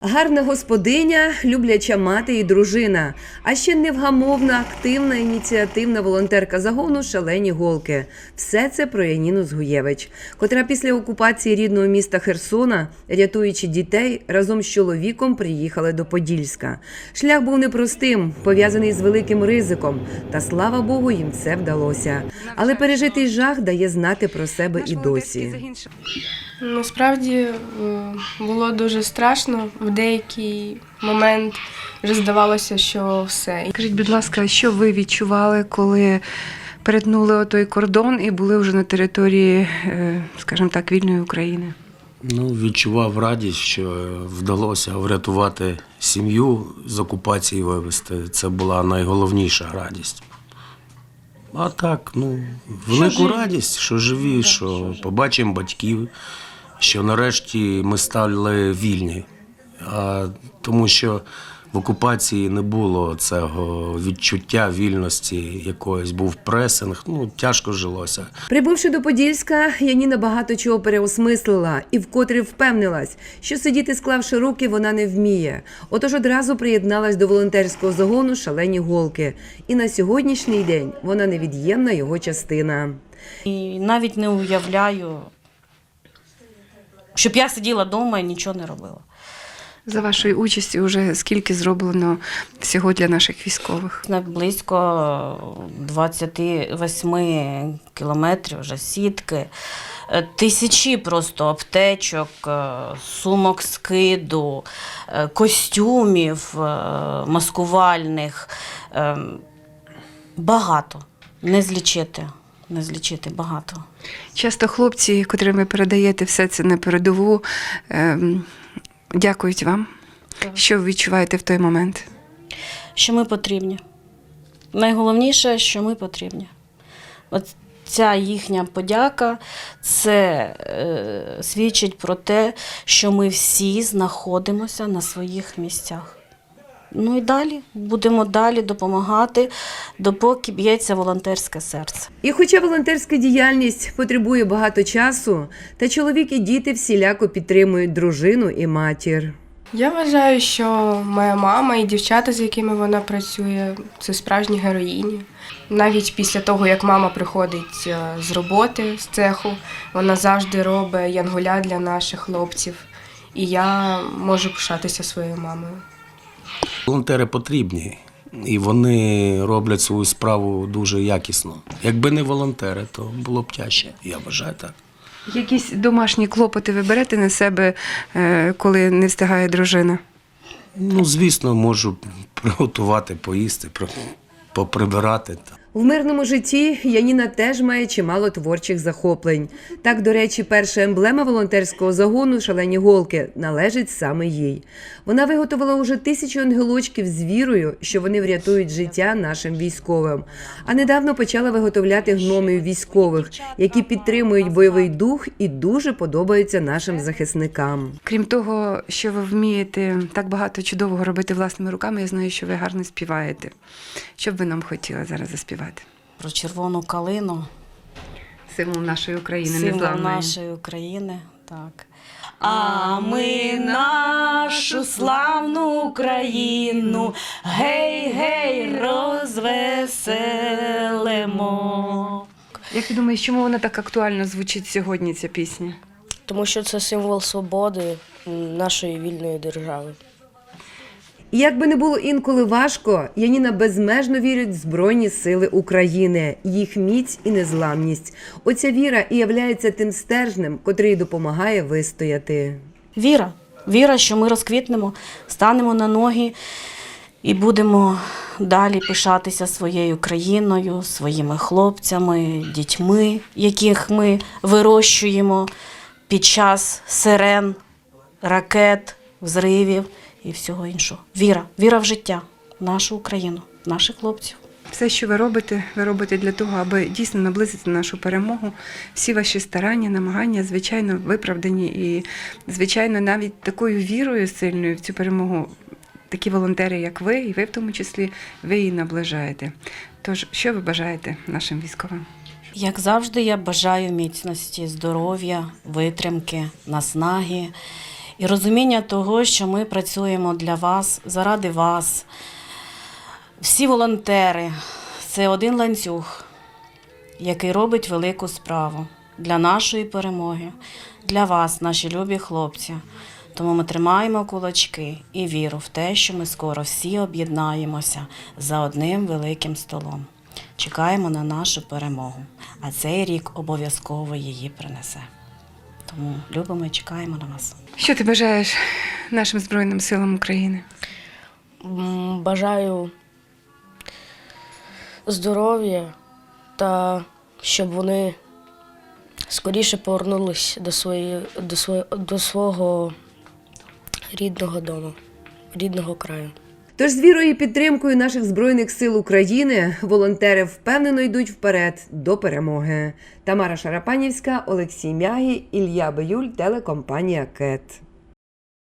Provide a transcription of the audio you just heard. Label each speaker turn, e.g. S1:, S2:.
S1: Гарна господиня, любляча мати і дружина, а ще невгамовна, активна, ініціативна волонтерка загону «Шалені голки». Все це про Яніну Згуєвич, котра після окупації рідного міста Херсона, рятуючи дітей, разом з чоловіком приїхали до Подільська. Шлях був непростим, пов'язаний з великим ризиком, та слава Богу, їм це вдалося. Але пережитий жах дає знати про себе і досі.
S2: Насправді було дуже страшно. В деякий момент вже здавалося, що все.
S3: Скажіть, будь ласка, що ви відчували, коли перетнули отой кордон і були вже на території, скажімо так, вільної України?
S4: Відчував радість, що вдалося врятувати сім'ю, з окупації вивезти. Це була найголовніша радість. А так, велику радість, що живі, що побачимо батьків, що нарешті ми стали вільні. Тому що в окупації не було цього відчуття вільності, якоїсь був пресинг, тяжко жилося.
S1: Прибувши до Подільська, Яніна багато чого переосмислила і вкотре впевнилась, що сидіти склавши руки вона не вміє. Отож одразу приєдналась до волонтерського загону «Шалені голки». І на сьогоднішній день вона невід'ємна його частина.
S5: І навіть не уявляю, щоб я сиділа вдома і нічого не робила.
S3: За вашою участю вже скільки зроблено всього для наших військових?
S5: Близько 28 кілометрів вже сітки, тисячі просто аптечок, сумок скиду, костюмів маскувальних. Багато. Не злічити багато.
S3: Часто хлопці, котрим ви передаєте все це на передову, дякують вам. Що ви відчуваєте в той момент?
S5: Що ми потрібні. Найголовніше, що ми потрібні. От ця їхня подяка, це свідчить про те, що ми всі знаходимося на своїх місцях. І далі, будемо далі допомагати, допоки б'ється волонтерське серце.
S1: І хоча волонтерська діяльність потребує багато часу, та чоловік і діти всіляко підтримують дружину і матір.
S2: Я вважаю, що моя мама і дівчата, з якими вона працює, це справжні героїні. Навіть після того, як мама приходить з роботи, з цеху, вона завжди робить янголя для наших хлопців. І я можу пишатися своєю мамою.
S4: Волонтери потрібні, і вони роблять свою справу дуже якісно. Якби не волонтери, то було б тяжче, я вважаю так.
S3: Якісь домашні клопоти ви берете на себе, коли не встигає дружина?
S4: Звісно, можу приготувати, поїсти, поприбирати.
S1: В мирному житті Яніна теж має чимало творчих захоплень. Так, до речі, перша емблема волонтерського загону «Шалені голки» належить саме їй. Вона виготовила уже 1000 ангелочків з вірою, що вони врятують життя нашим військовим. А недавно почала виготовляти гномів військових, які підтримують бойовий дух і дуже подобаються нашим захисникам.
S3: Крім того, що ви вмієте так багато чудового робити власними руками, я знаю, що ви гарно співаєте. Що б ви нам хотіли зараз заспівати?
S5: Про червону калину.
S3: Символ нашої України,
S5: Символ
S3: незламної.
S5: нашої України, так. А ми нашу славну Україну, гей-гей, розвеселимо.
S3: Як ти думаєш, чому вона так актуально звучить сьогодні, ця пісня?
S6: Тому що це символ свободи нашої вільної держави.
S1: І як би не було інколи важко, Яніна безмежно вірить в Збройні Сили України, їх міць і незламність. Оця віра і являється тим стержнем, котрий допомагає вистояти.
S5: Віра, що ми розквітнемо, станемо на ноги і будемо далі пишатися своєю країною, своїми хлопцями, дітьми, яких ми вирощуємо під час сирен, ракет, взривів і всього іншого. Віра в життя, в нашу Україну, в наших хлопців.
S3: Все, що ви робите для того, аби дійсно наблизити нашу перемогу. Всі ваші старання, намагання, звичайно, виправдані. І, звичайно, навіть такою вірою сильною в цю перемогу такі волонтери, як ви, і ви в тому числі, ви її наближаєте. Тож, що ви бажаєте нашим військовим?
S5: Як завжди, я бажаю міцності, здоров'я, витримки, наснаги і розуміння того, що ми працюємо для вас, заради вас. Всі волонтери – це один ланцюг, який робить велику справу для нашої перемоги, для вас, наші любі хлопці. Тому ми тримаємо кулачки і віру в те, що ми скоро всі об'єднаємося за одним великим столом. Чекаємо на нашу перемогу, а цей рік обов'язково її принесе. Тому любимо і чекаємо на вас.
S3: Що ти бажаєш нашим Збройним силам України?
S6: Бажаю здоров'я та щоб вони скоріше повернулись до свого рідного дому, рідного краю.
S1: Тож з вірою і підтримкою наших Збройних сил України волонтери впевнено йдуть вперед до перемоги. Тамара Шарапанівська, Олексій Мягі, Ілля Биюль, телекомпанія КЕТ.